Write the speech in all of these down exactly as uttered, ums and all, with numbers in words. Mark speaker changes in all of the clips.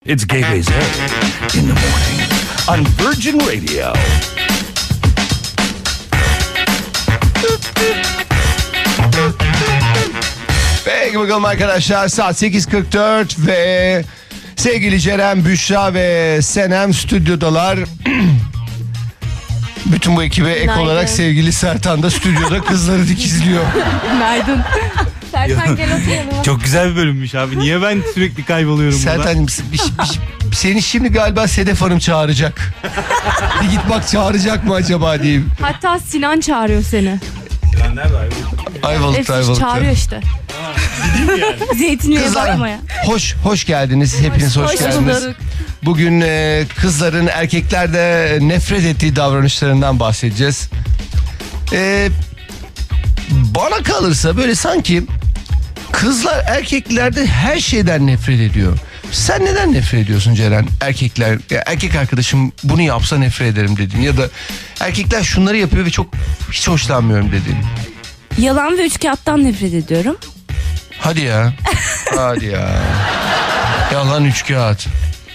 Speaker 1: It's Gaye's in the morning on Virgin Radio.
Speaker 2: Peki bakalım arkadaşlar, saat sekiz kırk dört ve sevgili Ceren, Büşra ve Senem stüdyodalar. Bütün bu ekibe ek
Speaker 3: Günaydın.
Speaker 2: olarak sevgili Sertan da stüdyoda kızları dikizliyor.
Speaker 3: Günaydın. Sertan gel oturalım.
Speaker 4: Çok güzel bir bölümmüş abi. Niye ben sürekli kayboluyorum burada?
Speaker 2: Sertan'cığım bir, bir, bir, seni şimdi galiba Sedef Hanım çağıracak. Bir git bak, çağıracak mı acaba diyeyim.
Speaker 3: Hatta Sinan çağırıyor seni.
Speaker 4: Sinan nerede abi?
Speaker 2: Ayvalık'ta, Ayvalık'ta.
Speaker 3: Çağırıyor işte. Zeytinliğe
Speaker 2: Kızlar,
Speaker 3: bakmaya.
Speaker 2: hoş hoş geldiniz. Hepiniz hoş,
Speaker 3: Hoş
Speaker 2: geldiniz.
Speaker 3: bulduk.
Speaker 2: Bugün e, kızların erkeklerde nefret ettiği davranışlarından bahsedeceğiz. E, bana kalırsa böyle sanki kızlar erkeklerde her şeyden nefret ediyor. Sen neden nefret ediyorsun Ceren? Erkekler, ya erkek arkadaşım bunu yapsa nefret ederim dedin. Ya da erkekler şunları yapıyor ve çok hiç hoşlanmıyorum dedin.
Speaker 3: Yalan ve üçkağıttan nefret ediyorum.
Speaker 2: Hadi ya. Hadi ya. Yalan üçkağıt.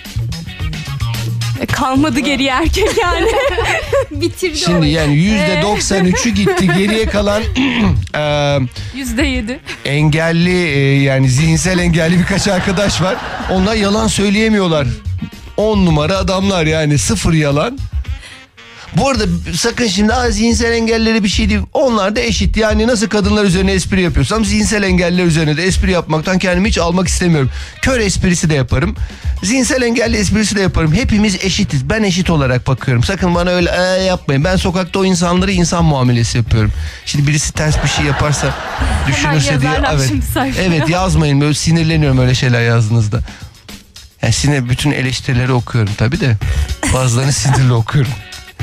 Speaker 3: E, kalmadı geriye erkek yani. Bitirdi
Speaker 2: Şimdi
Speaker 3: orayı.
Speaker 2: yani yüzde doksan üçü gitti. Geriye kalan e,
Speaker 3: Yüzde yedi.
Speaker 2: engelli e, yani zihinsel engelli birkaç arkadaş var. Onlar yalan söyleyemiyorlar. On numara adamlar yani, sıfır yalan. Bu arada sakın şimdi "Aa, zihinsel engelleri bir şey değil." Onlar da eşit. Yani nasıl kadınlar üzerine espri yapıyorsam zihinsel engelliler üzerine de espri yapmaktan kendimi hiç almak istemiyorum. Kör esprisi de yaparım. Zihinsel engelli esprisi de yaparım. Hepimiz eşitiz. Ben eşit olarak bakıyorum. Sakın bana öyle ee, yapmayın. Ben sokakta o insanlara insan muamelesi yapıyorum. Şimdi birisi ters bir şey yaparsa düşünürse diye. Evet. Evet, yazmayın. Böyle sinirleniyorum öyle şeyler yazdığınızda. Yani sinir, bütün eleştirileri okuyorum tabii de. Bazılarını sinirli okuyorum.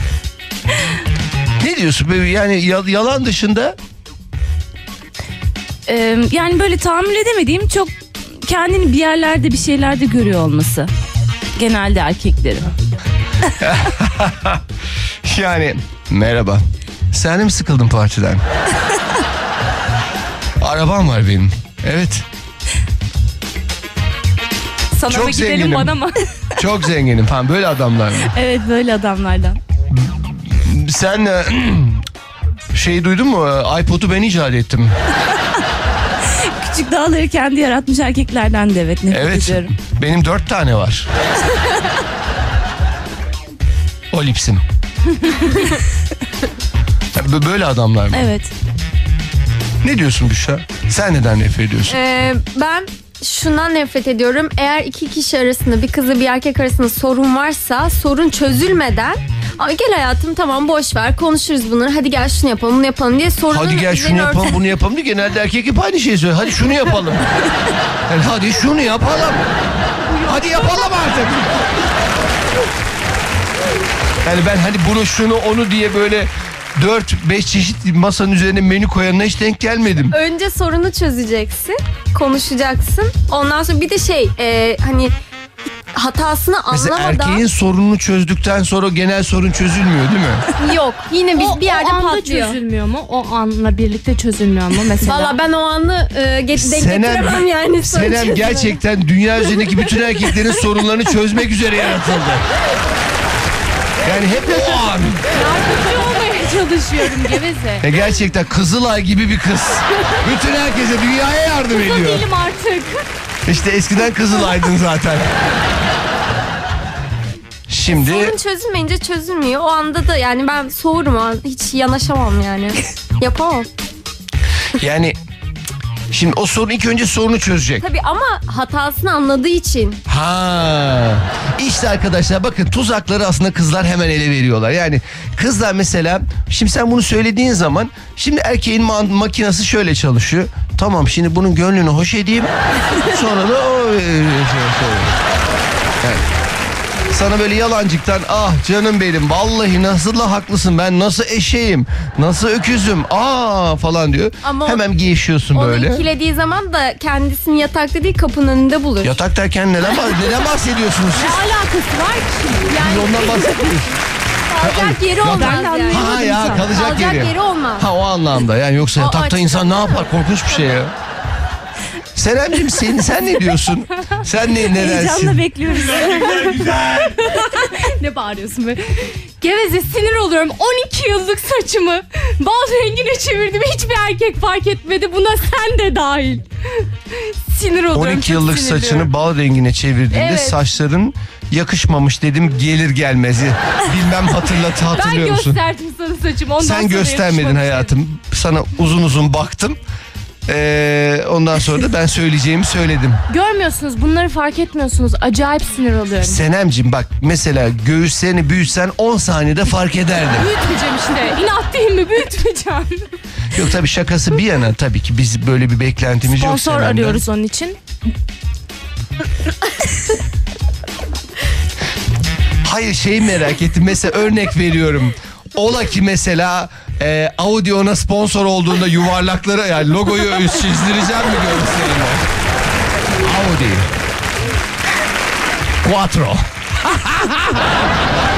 Speaker 2: Ne diyorsun? Yani yalan dışında?
Speaker 3: Ee, yani böyle tahammül edemediğim, çok kendini bir yerlerde bir şeylerde görüyor olması. Genelde erkeklerin.
Speaker 2: Yani merhaba. Sen de mi sıkıldın partiden? Arabam var benim. Evet.
Speaker 3: Sana
Speaker 2: Çok
Speaker 3: mı gidelim
Speaker 2: zenginim.
Speaker 3: bana mı?
Speaker 2: Çok zenginim falan, böyle adamlar mı?
Speaker 3: Evet, böyle adamlardan.
Speaker 2: Sen e, şey duydun mu? iPod'u ben icat ettim.
Speaker 3: Küçük dağları kendi yaratmış erkeklerden de evet nefret
Speaker 2: Evet.
Speaker 3: ediyorum.
Speaker 2: Benim dört tane var. O lipsim. Böyle adamlar mı?
Speaker 3: Evet.
Speaker 2: Ne diyorsun Büşra? Sen neden nefret ediyorsun?
Speaker 5: Ee, ben şundan nefret ediyorum. Eğer iki kişi arasında, bir kızla bir erkek arasında sorun varsa, sorun çözülmeden "Ay gel hayatım, tamam boş ver, konuşuruz bunları, hadi gel şunu yapalım bunu yapalım" diye sorunun
Speaker 2: Hadi gel şunu
Speaker 5: üzerine
Speaker 2: yapalım
Speaker 5: örten-
Speaker 2: bunu yapalım diye genelde erkek hep aynı şeyi söylüyor. Hadi şunu yapalım. Yani hadi şunu yapalım. Hadi yapalım artık. Yani ben hani bunu şunu onu diye böyle dört beş çeşit masanın üzerine menü koyanına hiç denk gelmedim.
Speaker 5: Önce sorunu çözeceksin, konuşacaksın. Ondan sonra bir de şey e, hani hatasını
Speaker 2: Mesela
Speaker 5: anlamadan
Speaker 2: erkeğin sorununu çözdükten sonra genel sorun çözülmüyor değil mi?
Speaker 5: yok. Yine biz
Speaker 3: O,
Speaker 5: bir yerde
Speaker 3: o anda
Speaker 5: patlıyor.
Speaker 3: çözülmüyor mu? O anla birlikte çözülmüyor mu mesela?
Speaker 5: Valla ben o anı e, get- denk getiremem yani. sorun
Speaker 2: Senem
Speaker 5: çözümü.
Speaker 2: gerçekten dünya üzerindeki bütün erkeklerin sorunlarını çözmek üzere yaratıldı. Yani hep o an.
Speaker 3: Yardımcı olmaya çalışıyorum geveze.
Speaker 2: E gerçekten Kızılay gibi bir kız. Bütün herkese, dünyaya yardım
Speaker 3: Kızıl
Speaker 2: ediyor.
Speaker 3: değilim artık.
Speaker 2: İşte eskiden Kızılay'dın zaten. Şimdi
Speaker 5: Sorun çözülmeyince çözülmüyor. O anda da yani ben soğurum o an. Hiç yanaşamam yani. Yapamam.
Speaker 2: yani şimdi o sorun ilk önce sorunu çözecek.
Speaker 5: Tabii ama hatasını anladığı için.
Speaker 2: Ha. İşte arkadaşlar bakın, tuzakları aslında kızlar hemen ele veriyorlar. Yani kızlar mesela, şimdi sen bunu söylediğin zaman, şimdi erkeğin ma- makinesi şöyle çalışıyor. Tamam, şimdi bunun gönlünü hoş edeyim. Sonra da o e, şey, şey. Yani sana böyle yalancıktan "Ah canım benim, vallahi nasıl da haklısın, ben nasıl eşeğim, nasıl öküzüm, aa" falan diyor.
Speaker 5: Ama
Speaker 2: hemen gevşiyorsun
Speaker 5: Onu
Speaker 2: böyle.
Speaker 5: ikilediği zaman da kendisini yatakta değil kapının önünde bulur.
Speaker 2: Yatak derken neden, bah- neden bahsediyorsunuz siz?
Speaker 5: Ne alakası var ki şimdi?
Speaker 2: Biz
Speaker 5: Yani
Speaker 2: ondan bahsetmiyoruz.
Speaker 5: kalacak yeri olmaz
Speaker 3: Ben de
Speaker 5: yani.
Speaker 3: anlamadım.
Speaker 2: Ha ya,
Speaker 3: sen.
Speaker 2: kalacak,
Speaker 5: Kalacak
Speaker 2: yeri.
Speaker 5: yeri olmaz.
Speaker 2: Ha, o anlamda yani, yoksa
Speaker 5: O
Speaker 2: yatakta
Speaker 5: açıdan
Speaker 2: insan ne
Speaker 5: değil mi?
Speaker 2: yapar, korkunç bir şey ya. Senemciğim sen, sen ne diyorsun? Sen ne
Speaker 3: Heyecanla
Speaker 2: nedensin?
Speaker 3: bekliyoruz.
Speaker 4: Güzel güzel.
Speaker 3: Ne bağırıyorsun be? Geveze, sinir oluyorum. on iki yıllık saçımı bal rengine çevirdim. Hiçbir erkek fark etmedi. Buna sen de dahil. Sinir oluyorum.
Speaker 2: on iki
Speaker 3: çok
Speaker 2: yıllık
Speaker 3: sinirliyorum.
Speaker 2: saçını bal rengine çevirdiğinde
Speaker 3: Evet.
Speaker 2: saçların yakışmamış dedim, gelir gelmez. Bilmem hatırlat
Speaker 3: Ben
Speaker 2: hatırlıyor musun?
Speaker 3: gösterdim sana saçımı. Ondan
Speaker 2: Sen
Speaker 3: sonra
Speaker 2: göstermedin
Speaker 3: yakışmamış.
Speaker 2: hayatım. Sana uzun uzun baktım. Ee, ondan sonra da ben söyleyeceğimi söyledim.
Speaker 3: Görmüyorsunuz, bunları fark etmiyorsunuz. Acayip sinir oluyorum.
Speaker 2: Senemciğim bak, mesela göğüslerini büyütsen on saniyede fark ederdim.
Speaker 3: Büyütmeyeceğim işte. İnat değil mi? Büyütmeyeceğim.
Speaker 2: Yok tabii, şakası bir yana, tabii ki biz böyle bir beklentimiz yok
Speaker 3: Sponsor
Speaker 2: Senem'den.
Speaker 3: arıyoruz onun için.
Speaker 2: Hayır, şeyi merak ettim. Mesela örnek veriyorum. Ola ki mesela e, Audi ona sponsor olduğunda yuvarlakları, yani logoyu çizdireceğim mi görselinde? Audi Quattro.